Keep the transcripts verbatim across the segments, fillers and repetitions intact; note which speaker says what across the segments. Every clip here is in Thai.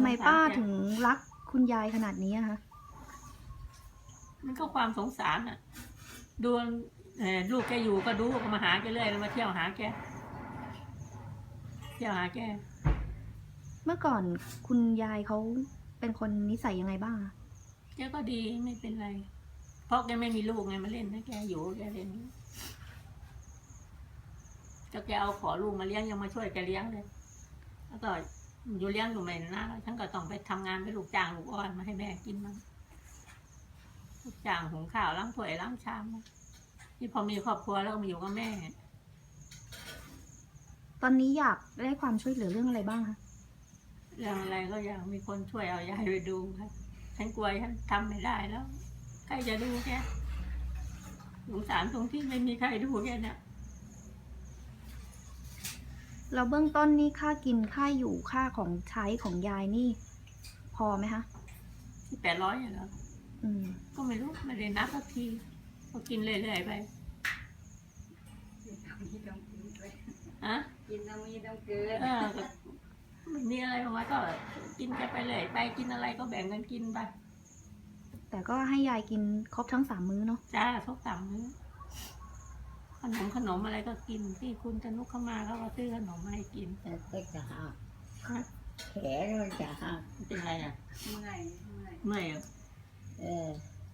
Speaker 1: ไมป้า
Speaker 2: สงสรแก
Speaker 1: ถึงรักคุณยายขนาดนี้อะคะ
Speaker 2: มันก็ความสงสารอ่ะดูเอ่อลูกแกอยู่ก็ดูก็มาหาแกเรื่อยมาเที่ยวหาแกเที่ยวหาแก
Speaker 1: เมื่อก่อนคุณยายเขาเป็นคนนิสัยยังไงบ้างอะ
Speaker 2: แกก็ดีไม่เป็นไร เพราะแกไม่มีลูกไงมาเล่นนะแกอยู่แกเล่นก็แกเอาขอลูกมาเลี้ยงยังมาช่วยแกเลี้ยงเลยแล้วก็อยู่เลี้ยงอยู่ไม่นานฉันก็ต้องไปทำงานไปลูกจ้างลูกอ้อนมาให้แม่กินมั้งลูกจ้างหุงข้าวล้างถ้วยล้างชามนี่พอมีครอบครัวแล้วก็มาอยู่กับแม่
Speaker 1: ตอนนี้อยากได้ความช่วยเหลือเรื่องอะไรบ้างคะ
Speaker 2: เรื่องอะไรก็อยากมีคนช่วยเอายายไปดูค่ะฉันกลัวฉันทำไม่ได้แล้วใครจะดูแกสงสารตรงที่ไม่มีใครดูแกเนี่ย
Speaker 1: เราเบื้องต้นนี่ค่ากินค่าอยู่ค่าของใช้ของยายนี่ พอไหมคะ
Speaker 2: ที่แปดร้อยเหรอ
Speaker 1: อืม
Speaker 2: ก็ไม่รู้ไม่ได้นับสักทีก็กินเรื่อยๆไปฮะ
Speaker 3: กินน้ำมีน้ำเกลือ
Speaker 2: เออก็ไม่มีอะไรออกมาก็กินกันไปเลยไปกินอะไรก็แบ่งกันกินไป
Speaker 1: แต่ก็ให้ยายกินครบทั้งสามมื้อเนาะ
Speaker 2: จ้าทุกสามมื้อขนมขนมอะไรก็กินที่คุณจะนุกเข้ามาเขาก็ซื้อขนมมาให้กิน
Speaker 3: แต่ก็จะหัก
Speaker 2: ฮะ
Speaker 3: แขนมันจะหัก
Speaker 2: เป็นไรอ่ะ
Speaker 3: เมื่อยเมื่อย
Speaker 2: เมื่อยเหรอ
Speaker 3: เออ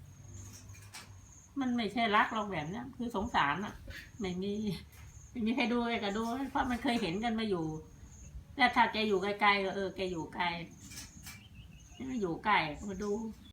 Speaker 2: มันไม่ใช่รักเราแบบเนี้ยคือสงสารอ่ะ ไม่มีไม่มีใครดูแกก็ดูเพราะมันเคยเห็นกันมาอยู่แต่ถ้าแกอยู่ไกลๆก็เออแกอยู่ไกลไม่อยู่ใกล้ก็มาดู